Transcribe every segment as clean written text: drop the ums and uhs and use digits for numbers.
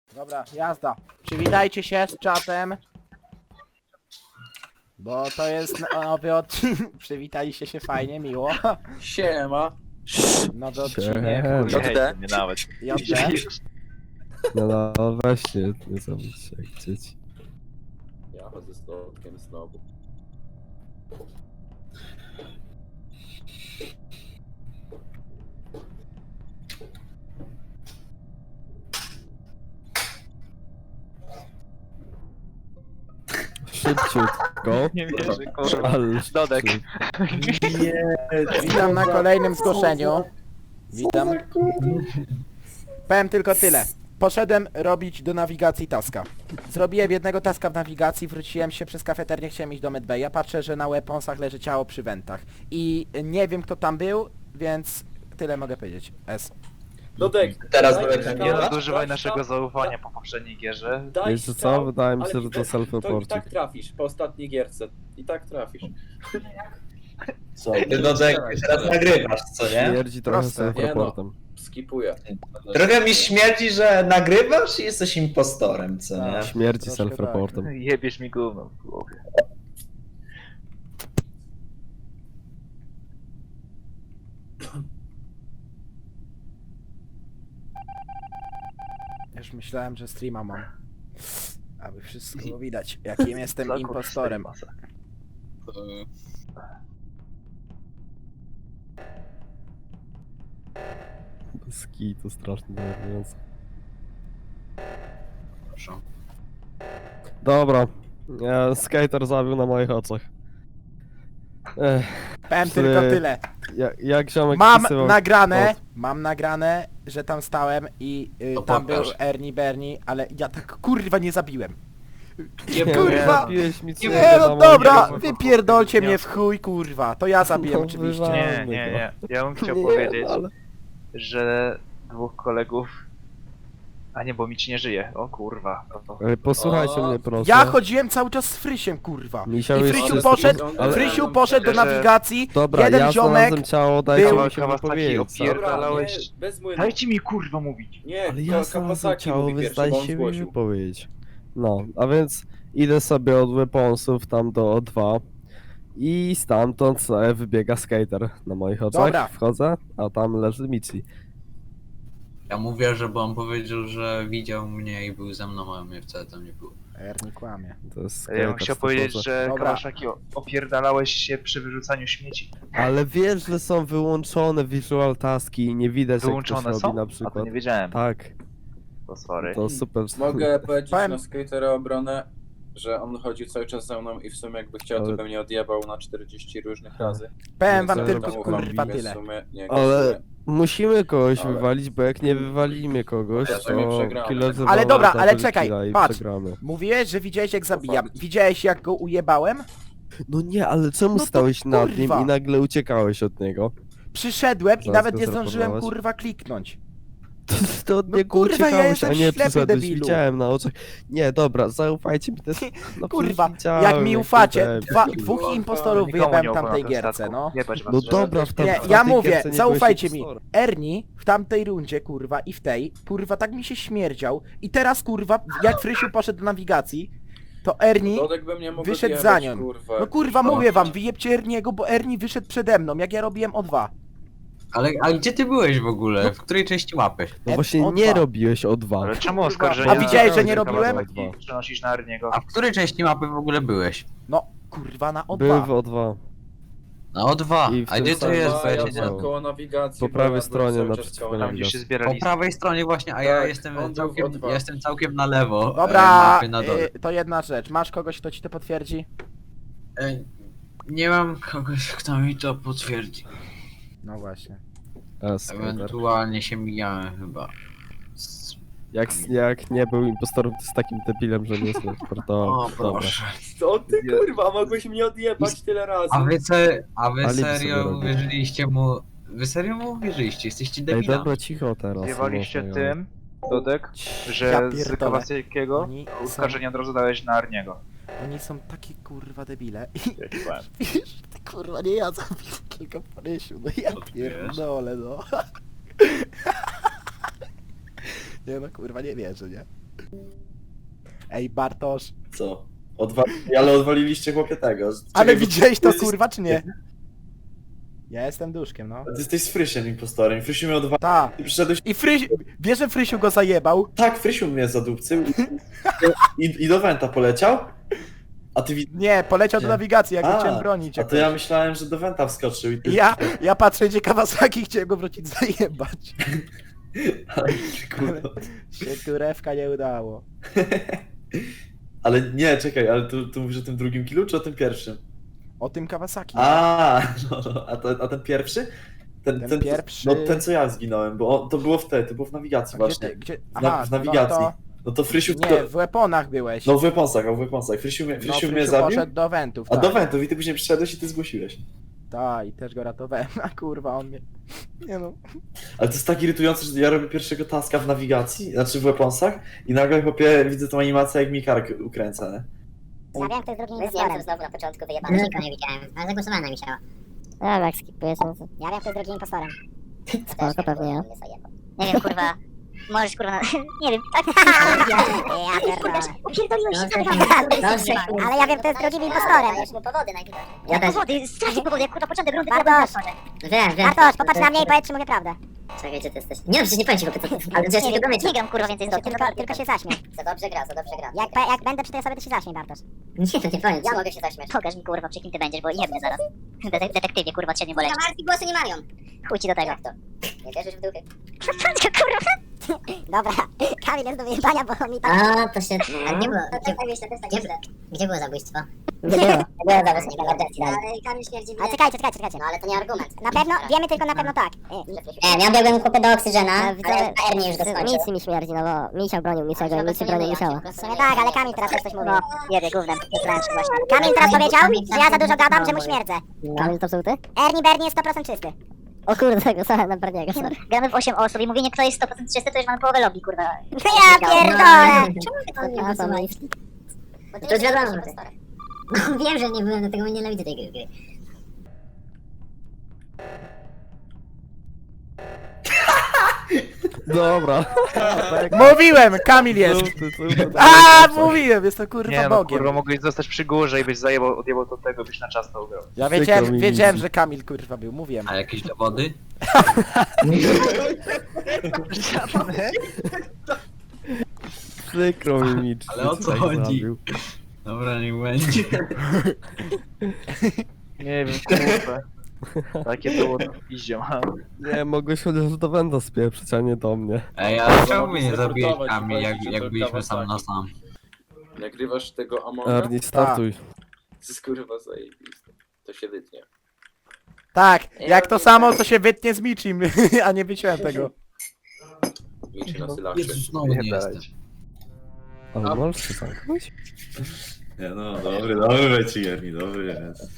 Dobra, jazda. Przywitajcie się z czatem. Bo to jest nowy odcinek. Przywitaliście się fajnie, miło. Siema. Nowy odcinek. JD. Nie nawet. JD. No weźcie, nie zabudźcie jak dzieci. Ja chodzę z lotkiem znowu. Szybciutko. Nie wierzę, kurwa. Ale Dodek. Witam na kolejnym zgłoszeniu. Witam. Powiem tylko tyle. Poszedłem robić do nawigacji taska. Zrobiłem jednego taska w nawigacji, wróciłem się przez kafeterię, chciałem iść do medbaya. Patrzę, że na weaponsach leży ciało przy wentach. I nie wiem kto tam był, więc tyle mogę powiedzieć. S. Dodek, Teraz daj Dodek sztab, Nie Dobra. nadużywaj daj naszego sztab, zaufania po poprzedniej gierze. daj wiecie sztab, co? Wydaje mi ale się, że to To i self-reporcik. tak trafisz po ostatniej gierce. I tak trafisz. Co? Ty Dodek teraz nagrywasz, co nie? Śmierdzi trochę Proste. self-reportem. Skipuję. Trochę mi śmierdzi, że nagrywasz i jesteś impostorem, co nie? Śmierdzi Troszkę self-reportem. Jebiesz mi gówno w głowie. Już myślałem, że streama mam. Aby wszystko było widać, jakim jestem impostorem. Ski to strasznie denerwujące. Dobra. Skater zabił na moich oczach. Powiem Psy. tylko tyle. Jak ziomek Mam wpisywał nagrane, kod. mam nagrane, że tam stałem i To tam był pokaż. Bernie, ale ja tak kurwa nie zabiłem. Nie, kurwa! zabiłeś mi córkę Nie no na moich dobra, oczach. wypierdolcie Nie. mnie w chuj kurwa, to ja zabiłem No, oczywiście. wywal- Nie. Ja bym chciał Nie, powiedzieć, ale- że dwóch kolegów... A nie, bo Mici nie żyje. O kurwa. Posłuchajcie O, mnie proszę. Ja chodziłem cały czas z Frysiem kurwa. Misiał I jest Frysiu czysty. poszedł, Ale- Frysiu poszedł do Że- nawigacji, Dobra, jeden ja ziomek znalazłem ciało, dajcie był- mi się Kawasaki wypowiedzieć. opier- Dobra, Pierdalałeś- nie, bez młynu. Dajcie mi kurwa mówić. Nie, Ale ja znalazłem Kawasaki ciało, mówi więc pierwszy, bo on dajcie mi zgłosił. wypowiedzieć. No, a więc idę sobie od weaponsów tam do O2 i stamtąd sobie wybiega skater na moich oczach. Dobra. Wchodzę, a tam leży Michi. Ja mówię, że bo on powiedział, że widział mnie i był ze mną, a mnie wcale tam nie było. Ernie kłamie. To jest Ja skater. bym chciał 100%. powiedzieć, że Dobra. Kawasaki opierdalałeś się przy wyrzucaniu śmieci. Ale wiesz, że są wyłączone visual taski i nie widać jak Wyłączone ktoś są? robi na A to przykład. nie wiedziałem. Tak, To sorry. to super. Mogę powiedzieć Powiem- na skatera obronę, że on chodził cały czas za mną i w sumie jakby chciał, to Ale- by mnie odjebał na 40 różnych razy. Powiem wam Więc tylko tam kurwa ufam, więc tyle. w sumie nie Ale głosuję. musimy kogoś Ale- wywalić, bo jak nie wywalimy kogoś, Ja sobie to przegramy. killer Ale dobra, double ale czekaj, killa i patrz. przegramy. Mówiłeś, że widziałeś jak zabijam. fakt. Widziałeś jak go ujebałem? No nie, ale czemu No to stałeś nad nim kurwa. i nagle uciekałeś od niego? Przyszedłem i Zaraz nawet go nie zdążyłem zraportować. kurwa kliknąć. To od No niego kurwa, ja uciekałeś, jestem a nie ślepy, przyszedłeś, debilu. widziałem na oczach. Nie, dobra, zaufajcie mi też. No Kurwa, przecież widziałem, jak mi ufacie, debil. dwóch Kurwa, impostorów Nikomu wyjebałem nie w tamtej opowiem gierce, statku. no. Jebać was, No że- dobra, w Nie, tamtej ja mówię, gierce nie zaufajcie byłeś mi. impostorem. Ernie w tamtej rundzie, kurwa, i w tej, kurwa, tak mi się śmierdział. I teraz, kurwa, jak Frysiu poszedł do nawigacji, to Ernie Dodek by mnie mógł wyszedł odjebać, za nią. kurwa. No kurwa, mówię wam, wyjebcie Erniego, bo Ernie wyszedł przede mną, jak ja robiłem O2. Ale gdzie ty byłeś w ogóle? W której części mapy? No właśnie O2. nie robiłeś o dwa. Ale czemu A oskarżenia... widziałeś, że nie Kawasaki robiłem? Przenosisz na Arniego. A w której części mapy w ogóle byłeś? No, kurwa, na Były w O2. O2. Na O2. I w A tym gdzie to samym jest? A, Bo ja ja się nie... byłem koło nawigacji. Po bo prawej ja byłem stronie cały naprzeciwko czas koło Tam nawigacji. gdzie się Po zbierali... prawej stronie właśnie, a ja Tak, jestem on był całkiem, w O2. ja jestem całkiem na lewo Dobra, mapy na dole. to jedna rzecz. Masz kogoś, kto ci to potwierdzi? E, Nie mam kogoś, kto mi to potwierdzi. No właśnie. Skater. Ewentualnie się mijałem chyba. Jak nie był impostorem, to z takim debilem, że nie sportował. O Dobra. proszę. Co ty kurwa, mogłeś mnie odjebać tyle razy. A wy Alibi sobie serio robię. uwierzyliście mu... Wy serio mu uwierzyliście? Jesteście Ej, debilami. dobra, cicho teraz. Zjewaliście może, tym, Dodek, że Ja z pierdolę. Kawasakiego Oni są, oskarżenia od razu dałeś na Arniego. oni są takie kurwa debile. I Ja ci powiem. wiesz, ty kurwa nie ja zabiłem tylko Frysiu, no ja pierdolę, no. Nie no kurwa, nie wierzę, nie? Ej, Bartosz. Co? Ale odwaliliście chłopie tego. Ale Czekaj, widziałeś to jesteś- kurwa czy nie? Ja jestem duszkiem, no. Ty jesteś z Frysiem impostorem. Frysiu miał 2. Ta. Ty przyszedłeś... I wiesz, że Frysiu go zajebał? Tak, Frysiu mnie zadupcył i do Wenta poleciał. A ty Nie, poleciał do Nie. nawigacji, jak go A, chciałem bronić. A to ja myślałem, że do Wenta wskoczył i ty... Ja patrzę, gdzie Kawasaki, chciałem go wrócić zajebać. Kurwa. Się turewka nie udało. Ale nie, czekaj, ale tu mówisz o tym drugim killu, czy o tym pierwszym? O tym Kawasaki. A ten pierwszy? Ten pierwszy- No ten co ja zginąłem, bo to było to było w nawigacji A właśnie. gdzie? W nawigacji. No to Frysiu... Nie, w weaponach byłeś. No w weaponsach. Frysiu mnie Frysiu zabił, poszedł do wentów, a tak. do Wentów i ty później przyszedłeś i ty zgłosiłeś. Tak, i też go ratowałem, a kurwa on mnie... Nie no. Ale to jest tak irytujące, że ja robię pierwszego taska w nawigacji, znaczy w weaponsach i nagle chłopie widzę tą animację jak mi kark ukręca, nie? Ja wiem, kto jest drugim Wyzniałem impostorem. znowu na początku wyjebane. Nikogo nie widziałem, ale zagłosowałem na Misiała. Dobra, jak skipuję sensy. Ja wiem, kto jest drugim impostorem. Spoko, pewnie ja. Nie wiem, kurwa. Możesz, kurwa, nie wiem, tak. Ja pierdolę. Upierdoliłeś się, Dobrze, ale ja wiem, kto jest drugim impostorem. Dajesz mu powody najwidoczniej. Ja też. Powody, strasznie powody, jak kurwa początek rundy Bartosz. Wiem. Bartosz, popatrz na mnie i powiedz, czy mówię prawdę. Czekaj, gdzie ty jesteś? Nie, przecież nie powiem ci, bo ty... Ale przecież nie gram, nie gram, kurwa, więcej z Tylko się zaśmiej. Za dobrze gra. Jak będę przy tej osobie, to się zaśmiej, Bartosz. Nie, to nie powiem. Ja mogę się zaśmiać. Pokaż mi, kurwa, przy kim ty będziesz, bo jebnę zaraz. Detektywie, kurwa, od 7 boleci. Marki głosy nie mają. Chuj ci do tego. Jak to? Nie wierzysz w duchy? Kurwa. Dobra, Kamil jest do wyjebania, bo mi tak... A, to się... A gdzie było? Gdzie było zabójstwo? Nie było zabójstwo, emergencji dalej. Ale Kamil śmierdzi mnie. Ale czekajcie. No ale to nie argument. Na pewno, wiemy tylko na pewno tak. Ja biegłem kupę do oksygena, ale widzowie, Ernie już go skończył. Nic mi śmierdzi, no bo Misiał bronił Misiała i Misiał bronił Misiała. W sumie tak, ale Kamil teraz coś mówi. Jebie gównem, jest właśnie. Kamil teraz powiedział, że ja za dużo gadam, że mu śmierdzę. Kamil to żółty? Ernie Bernie jest 100% czysty. O kurde, głosowałem na Berniego, sorry. Gramy w 8 osób i mówienie, kto jest 100% czysty, to już mamy połowę lobby, kurwa. Ja pierdolę! Czemu ty to nie głosujesz? To już wiadomo. No wiem, że nie byłem, dlatego nie nienawidzę tej gry. Dobra. Mówiłem, Kamil jest! A, mówiłem, jest to kurwa Nie no, Bogiem. kurwa, mogłeś zostać przy górze i byś odjebał do tego, byś na czas to ugrał. Ja Przykro mi wiedziałem, widzi. że Kamil kurwa był, mówiłem. A jakieś dowody? Przykro mi Mitch. Ale o co tak chodzi? zabił. Dobra, niech będzie. Nie wiem, kurwa. Takie było iździą. Nie, mogłeś chociaż do Wenda spieprzyć, a nie do mnie. Ej, ale czemu mogli mnie nie zabiłeś zreportować, Kamil, jak powiedzieć, że to byliśmy sam na Kawasaki. sam? Nagrywasz tego Amonga? Ernie, startuj. To jest kurwa zajebiste. To się wytnie. Tak, jak to samo, to się wytnie z Michim, a nie wyciąłem tego. Miczy na sylaszy. Jezus, znowu nie jestem. Ale możesz się zamknąć? Nie no, dobry ci Ernie, dobry jest.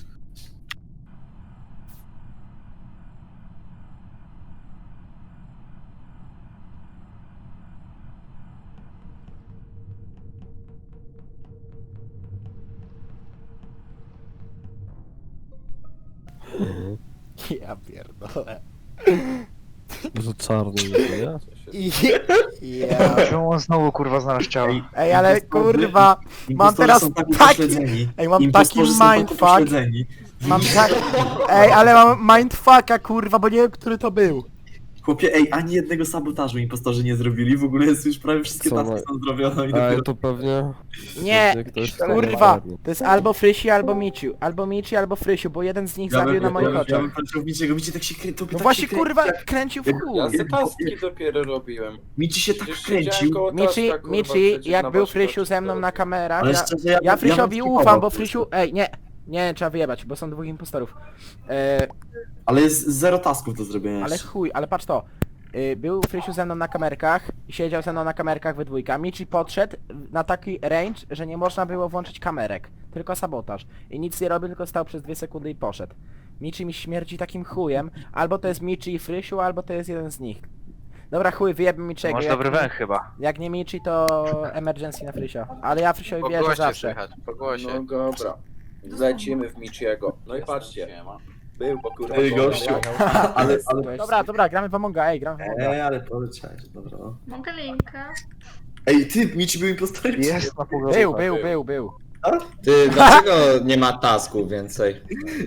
Ja pierdolę. Że czarny nie ja? Ja. Czemu on znowu kurwa znalazł ciało? Ej, ale kurwa, mam teraz taki... Ej, mam taki mindfuck. Mam tak... Ej, ale mam mindfucka kurwa, bo nie wiem, który to był. Chłopie, ani jednego sabotażu impostorzy nie zrobili, w ogóle jest już prawie wszystkie Co taski ma- są zrobione i Ale dopiero... to pewnie... Nie, pewnie ktoś kurwa, Ernie. to jest albo Frysi, albo Mici. Albo Mici, albo Frysiu, bo jeden z nich zabił na moich ja oczach. bym patrzył w Miciego, Mici tak się kręcił. No właśnie kurwa, kręcił w Ja chuj. te taski dopiero robiłem. Mici się tak Przecież siedziałem kręcił. koło Mici, taska, kurwa, Mici, przecież jak na był waszych Frysiu oczach ze mną na kamerach, Ale ja, szczerze, ja Frysiowi bym ufam, skipował bo po Frysiu... prostu. Ej, nie, trzeba wyjebać, bo są dwóch impostorów. Ale jest zero tasków do zrobienia Ale jeszcze. chuj, ale patrz to. Był Frysiu ze mną na kamerkach, siedział ze mną na kamerkach we dwójka. Michi podszedł na taki range, że nie można było włączyć kamerek. Tylko sabotaż. I nic nie robił, tylko stał przez 2 sekundy i poszedł. Michi mi śmierdzi takim chujem. Albo to jest Michi i Frysiu, albo to jest jeden z nich. Dobra chuj, wyjebmy Michiego. Masz dobry węch chyba. Jak nie Michi, to emergency na Frysia. Ale ja Frysiowi wierzę zawsze. No dobra. Zlecimy w Michiego. No i patrzcie. Był, bo kurwa... Ej, gościu. Ale... Dobra, gramy w Amonga, ej, gramy w Amonga. ale poleciałeś, dobra no. Mogę linka? Ej, ty, Michi był impostorem? Jest na pogotowaniu. Był. Ty, dlaczego nie ma tasku więcej?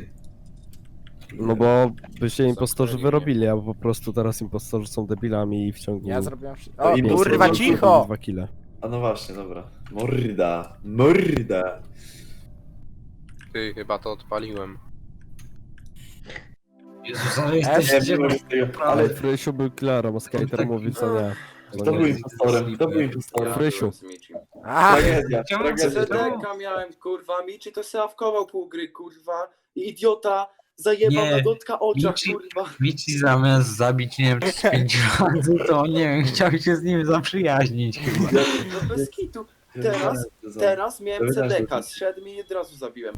No bo by się impostorzy wyrobili, a po prostu teraz impostorzy są debilami i w ciągu... Ja zrobiłem... O, No i kurwa, impostor- cicho! 2 kile. A no właśnie, dobra. Morda. Ty, chyba to odpaliłem. Jezus, ale Nie jesteście... mogę tego. Ale Frysiu był killerem, a Skater tak- mówi, co nie. Kto był impostorem? Kto był impostorem? Frysiu. Aha, Tragedia, Czemu tragedia. CDK miałem, kurwa, Michi to se awkował pół gry, kurwa. I idiota zajebał Nie. na dotka oczach, Michi- kurwa. Michi zamiast zabić, nie wiem, 5 razy, to nie wiem, chciał się z nim zaprzyjaźnić chyba. No bez kitu. Teraz miałem Dobra, CDK, zszedł mi i od razu zabiłem.